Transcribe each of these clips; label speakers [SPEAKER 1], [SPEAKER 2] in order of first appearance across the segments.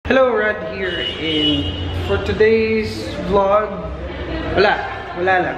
[SPEAKER 1] Hello, Rad here, and for today's vlog, wala lang.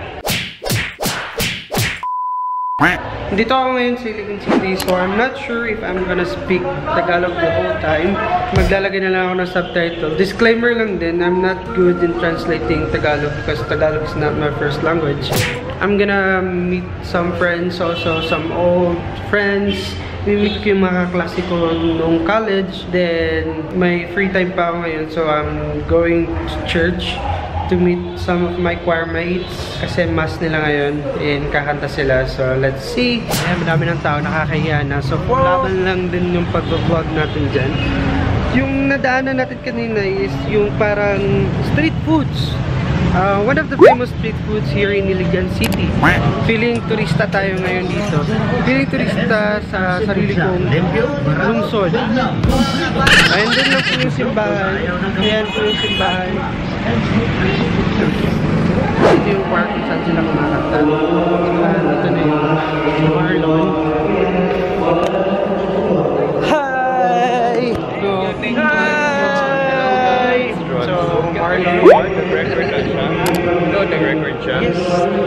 [SPEAKER 1] Dito ako ngayon sa Iligan City, so I'm not sure if I'm gonna speak Tagalog the whole time. Maglalagay na lang ako ng subtitle. Disclaimer lang din, I'm not good in translating Tagalog because Tagalog is not my first language. I'm gonna meet some friends also, some old friends. Mimit ko yung mga kaklase ko noong college. Then, may free time pa ako ngayon. So, I'm going to church to meet some of my choir mates. Kasi mass nila ngayon. And kakanta sila. So, let's see. Ayan, madami ng tao nakakahiya na. So, laban lang din yung pag-vlog natin dyan. Yung nadaanan natin kanina is yung parang street foods. One of the famous street foods here in Iligan City. Feeling turista tayo ngayon dito. Feeling turista sa sarili kong lungsod. Ayan din lang po yung simbahan. Ayan po yung simbahan. Ito yung park kung saan sila kumakanta. Ito na yung Marlon. Hi! Hi! So, Marlon.
[SPEAKER 2] The record siya.
[SPEAKER 1] Yes.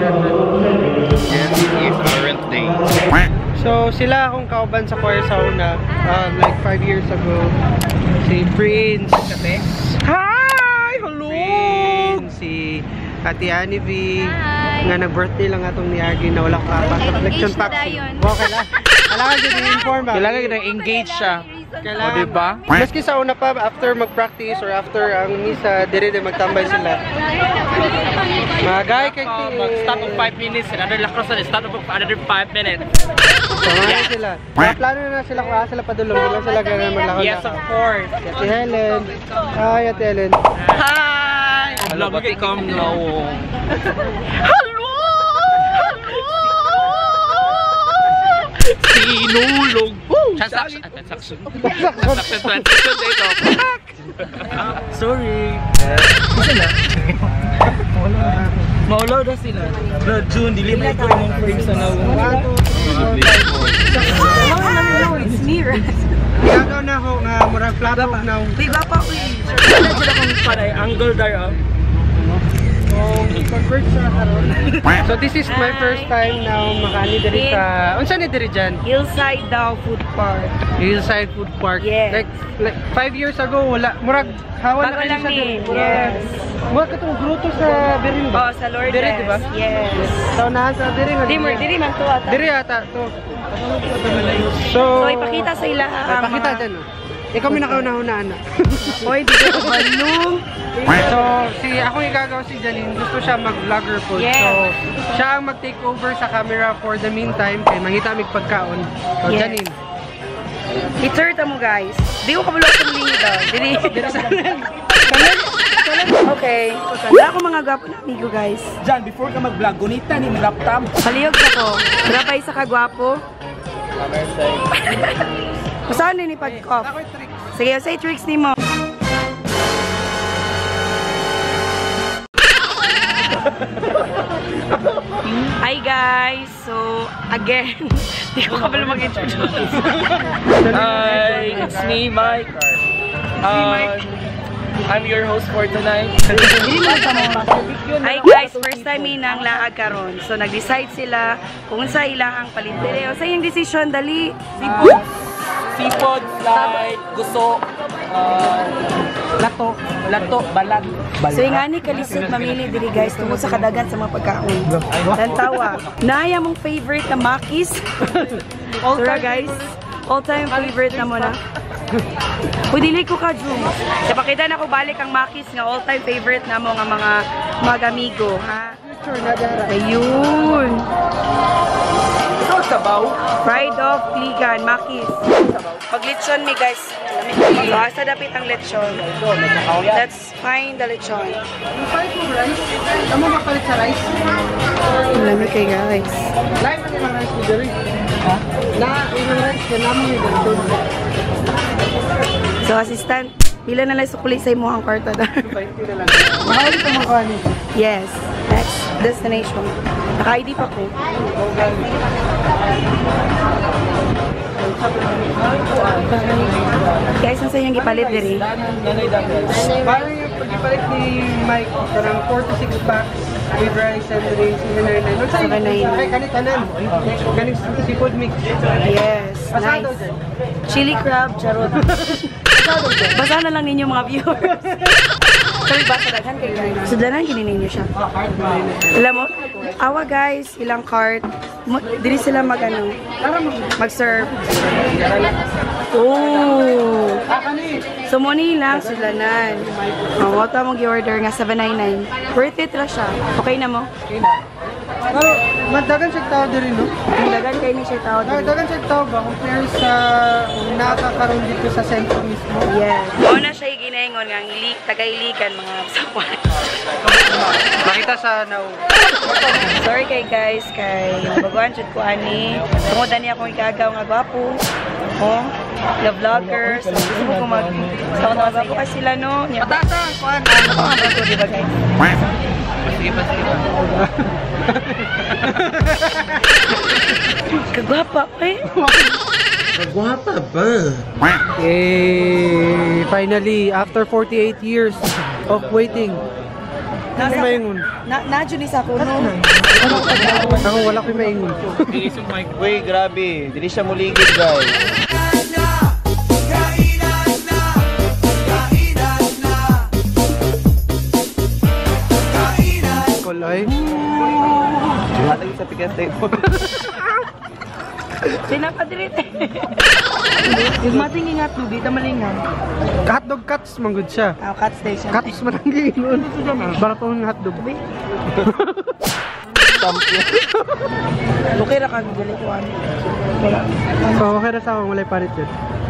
[SPEAKER 2] Yes, current day.
[SPEAKER 1] So, sila akong kauban sa choir sa una. Like 5 years ago. Si Prince. Hi! Hello! Prince. Si Ate Annie V.
[SPEAKER 3] Hi!
[SPEAKER 1] Nga nag-birthday lang atong ni Agi na wala ko reflection vaccine. Okay lang. Kailangan din i-inform ba?
[SPEAKER 2] Kailangan din engage siya.
[SPEAKER 1] Kailangan.
[SPEAKER 2] O, diba?
[SPEAKER 1] Maski sa una pa, after mag-practice or after ang misa, dire magtambay sila. Magay kay
[SPEAKER 2] Mag-stop of 5 minutes and another lacrosse stop of another 5 minutes.
[SPEAKER 1] Samahan sila. Plano na sila kung sila padulong. Hindi lang sila ganun maglakad.
[SPEAKER 2] Yes, of course.
[SPEAKER 1] Ate Helen. Hi, Ate Helen.
[SPEAKER 2] Hi! Hello, but come now. Hello! Sinulog. Transaction 22 dito. Sorry. Sila? Maulaw na sila. No, June, dili na ito yung frames na
[SPEAKER 3] It's me, right?
[SPEAKER 1] Gagaw na ako nga murag flat out na.
[SPEAKER 3] Uy, bapa, uy.
[SPEAKER 2] sila kung panay angle there.
[SPEAKER 1] So this is my first time na makani diri sa unsa ni diri dyan?
[SPEAKER 3] Hillside daw food park.
[SPEAKER 1] Hillside Food Park.
[SPEAKER 3] Yes.
[SPEAKER 1] Like 5 years ago wala murag hawan na
[SPEAKER 3] Bago
[SPEAKER 1] kayo
[SPEAKER 3] lang
[SPEAKER 1] sa
[SPEAKER 3] ni.
[SPEAKER 1] diri.
[SPEAKER 3] Yes.
[SPEAKER 1] Murag katong gruto sa Birin ba?
[SPEAKER 3] Oh, sa Lourdes.
[SPEAKER 1] Diri di ba?
[SPEAKER 3] Yes.
[SPEAKER 1] So nahan sa diri nga.
[SPEAKER 3] Diri man to ata.
[SPEAKER 1] Diri ata to. So
[SPEAKER 3] ipakita sa ila ang
[SPEAKER 1] ipakita dyan. Ikaw may nakauna-unaan na.
[SPEAKER 3] Oy, di ko balong.
[SPEAKER 1] So, ako yung gagawa si Janine, gusto siya mag-vlogger po.
[SPEAKER 3] Yes.
[SPEAKER 1] So, siya ang mag-take over sa camera for the meantime, kaya mangita mig pagkaon. So,
[SPEAKER 3] Yes.
[SPEAKER 1] Janine.
[SPEAKER 3] I-turta mo, guys. Di ko kabalo sa lingi daw. Diri. Okay. Wala ako mga gwapo na amigo, guys.
[SPEAKER 2] Jan, before ka mag-vlog, gunita ni laptop.
[SPEAKER 3] Paliyog ako. Trapay sa kagwapo. Saan din ipag-off? Sige, say tricks ni mo. Hi guys! So, again, di ko kabalo mag-introduce.
[SPEAKER 2] Hi, it's me, Mike. I'm your host for tonight.
[SPEAKER 3] Hi guys! First time inang laag karon. So, nag-decide sila kung sa ilahang palintere. O sa iyong decision, dali.
[SPEAKER 2] Seafood, like gusto, lato, balag.
[SPEAKER 3] So, yung nga ni kalisod mamili diri guys tungkol sa kadagan sa mga pagkaon. Tantawa. Naya mong favorite na makis. Sura guys. All-time favorite na mo na. Pwede ko ka, Jum. Kapakita na ko balik ang makis nga all-time favorite na mo nga mga amigo. Ha? Ayun.
[SPEAKER 2] Ito sabaw.
[SPEAKER 3] Fried off, ligan, makis. Pag lechon mi guys. So, asa dapit ang lechon. Let's find the lechon.
[SPEAKER 1] Amo mapalit sa rice?
[SPEAKER 3] Lamig kay guys.
[SPEAKER 1] Live na yung rice ni Jerry. Ha? Yung rice na naman yung ganito.
[SPEAKER 3] So, assistant, pila na lang sukuli sa imo ang kwarta da.
[SPEAKER 1] 20 na lang. Mahal ito mga kanin.
[SPEAKER 3] Yes. Next destination. Naka-ID pa ko. Guys, ang sa inyong gipalit diri?
[SPEAKER 1] Parang yung pag-ipalit ni Mike, parang 4 to 6 packs with rice and drinks, 799. Ay, kanitanan. Galing seafood mix.
[SPEAKER 3] Yes, nice. Chili crab, charot. Basa na lang ninyo mga viewers. Sorry ba, sadaghan kayo? Sadaghan, kinin ninyo siya. Alam mo, awa guys, ilang cart. Dili sila mag-serve. Oh! So, muna lang, sulanan. Wata mong i-order nga, 799. Worth it lang siya. Okay na mo?
[SPEAKER 1] Okay na. Madagan siya tao din, no?
[SPEAKER 3] Dagan kayo ni siya tao din.
[SPEAKER 1] Dagan siya tao ba? Compare sa nakakaroon dito sa sentro mismo.
[SPEAKER 3] Yes. Una siya ginaingon nga taga-iligan mga sawan.
[SPEAKER 1] Makita sa now.
[SPEAKER 3] Sorry kay guys, kay baguhan siya ko ani. Tungod niya akong ikagaw nga gwapo. Oh, the vloggers. Gusto ko mag-start na gwapo kasi sila, no?
[SPEAKER 1] Patasa! Kuhan!
[SPEAKER 3] Ano ko nga ba ito, di ba guys? Kagwapa ko eh.
[SPEAKER 4] Kagwapa ba?
[SPEAKER 1] Yay! Finally, after 48 years of waiting. Ano maingon?
[SPEAKER 3] Nadyo ni sa kuno.
[SPEAKER 1] Ako wala ko maingon.
[SPEAKER 4] Uy, grabe. Dili siya muligid, guys.
[SPEAKER 1] Kolay.
[SPEAKER 4] Hatag sa ticket table.
[SPEAKER 3] Pinapadirit eh. Yung mating ingat no, dito malingan.
[SPEAKER 1] Hotdog cuts, manggod siya.
[SPEAKER 3] Cut station.
[SPEAKER 1] Cuts man ang giinon. Baratong hotdog.
[SPEAKER 3] Okay ra kang gali ko ano.
[SPEAKER 1] So, okay na sa akong walay parit yun.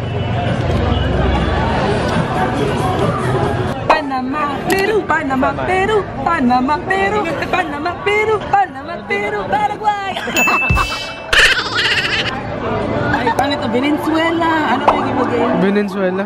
[SPEAKER 3] Panama, Peru, Panama, Peru, Panama, Peru, Panama, Peru, Panama, Peru, Paraguay. Ay, paano ito? Venezuela. Ano ba yung ibagay?
[SPEAKER 1] Venezuela.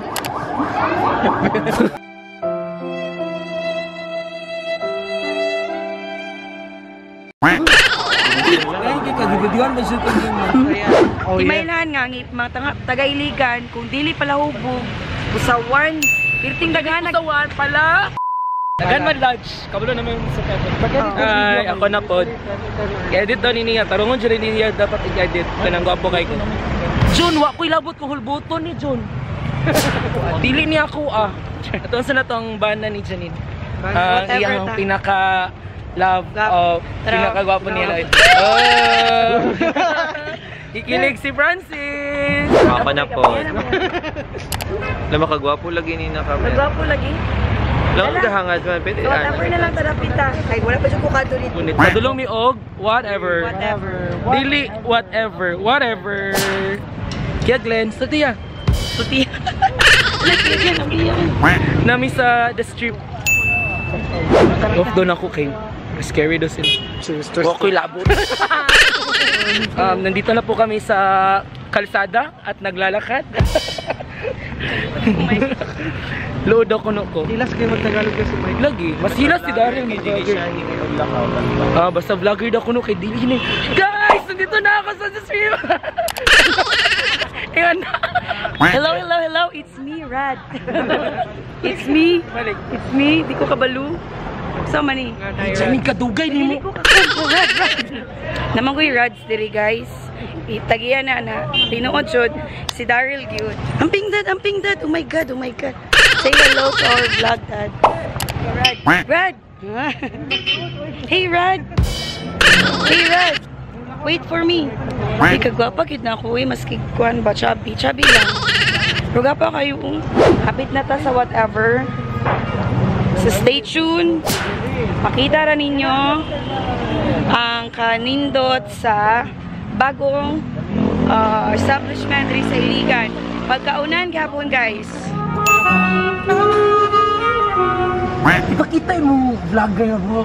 [SPEAKER 1] Imailan nga, mga taga-iligan, kung dili pala hubog, usawan, pirting dagan,
[SPEAKER 2] Usawan pala! Dagan man lunch. Kabalo naman sa pepper. Ay, ako na po. I-edit daw niya. Tarungon dyan niya dapat i-edit. Kanang gwapo kay ko. Jun, wa ko'y labot ko hulbuton ni Jun. Dili niya ako Ito sa natong banda ni Janine. Iyang pinaka-love o pinaka-gwapo niya. Ikilig si Francis!
[SPEAKER 4] Ako na po. Alam mo, kagwapo lagi ni nakabit.
[SPEAKER 3] Nagwapo lagi.
[SPEAKER 4] Alam mo, kahangad man. Pwede
[SPEAKER 3] So, whatever na lang tadapita. Ay, wala pa siya kukado dito.
[SPEAKER 2] Ngunit padulong mi og whatever.
[SPEAKER 3] Whatever.
[SPEAKER 2] Dili whatever. Kaya Glenn, Sutiya. Nami sa The Strip. Off doon ako kay scary doon sila. Wako'y labot. Nandito na po kami sa kalsada at naglalakad. Load ako ko.
[SPEAKER 1] Hilas kayo mag-Tagalog kasi Mike.
[SPEAKER 2] Lagi, mas hilas si Daryl ni vlogger. Basta vlogger daw kuno kay Dili. Guys, nandito na ako sa stream. Ayan.
[SPEAKER 3] Hello, it's me, Rad. It's me. Di ko kabalo. So, mani.
[SPEAKER 2] Diyan kadugay ni mo.
[SPEAKER 3] Rad. Naman ko yung Rads diri, guys. Itagiyan na. Tinuod siya. Si Daryl Gyud. Ang pingdad. Oh my God. Say hello to our vlog, Dad. Rad. Hey, Rad. Wait for me. Di kagwapa, kid na ako eh. Maski kuhan ba? Chubby lang. Ruga pa kayo. Hapit na ta sa whatever. So stay tuned. Makita ra ninyo ang kanindot sa bagong establishment rin sa Iligan. Pagkaunan gapon, guys.
[SPEAKER 1] Ipakita mo vlogger na bro.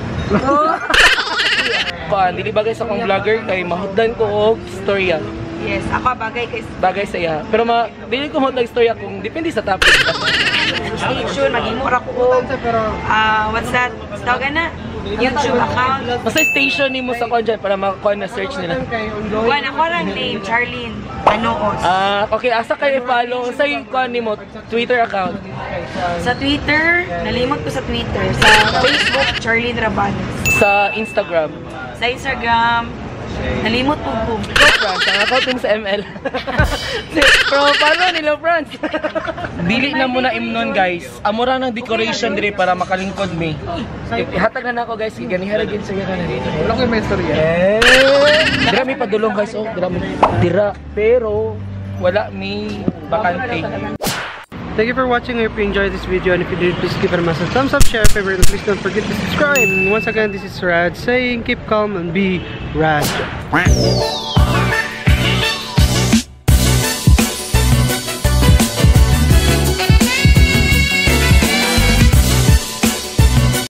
[SPEAKER 2] Dili bagay sa akong vlogger kay mahutdan ko og storya.
[SPEAKER 3] Yes, ako
[SPEAKER 2] Bagay sa iya. Pero dili ko mahutdan storya kung depende sa topic.
[SPEAKER 3] stay tuned. Mag-imura ko. What's that? Tawagan na. YouTube account.
[SPEAKER 2] Basta station ni mo sa kwan dyan para makakuha na search nila.
[SPEAKER 3] Kuan ako lang name, Charlene Anoos.
[SPEAKER 2] Okay, asa kayo i-follow sa kwan ni mo Twitter account.
[SPEAKER 3] Sa Twitter, nalimot ko sa Twitter. Sa Facebook, Charlene Rabanes.
[SPEAKER 2] Sa Instagram.
[SPEAKER 3] Sa Instagram, nalimot po.
[SPEAKER 2] France, ang account mo sa ML. Pero paano nila France? Dili na muna imnon guys. Amura ng decoration dire para makalingkod mi. Ihatag na ako guys, ganihan gid sa kana dito. Wala ko may istorya. Dira mi padulong guys, oh, dira pero wala mi bakante.
[SPEAKER 1] Thank you for watching. I hope you enjoyed this video, and if you did, please give it a massive thumbs up, share, favorite, and please don't forget to subscribe. And once again, this is Rad saying keep calm and be Rad.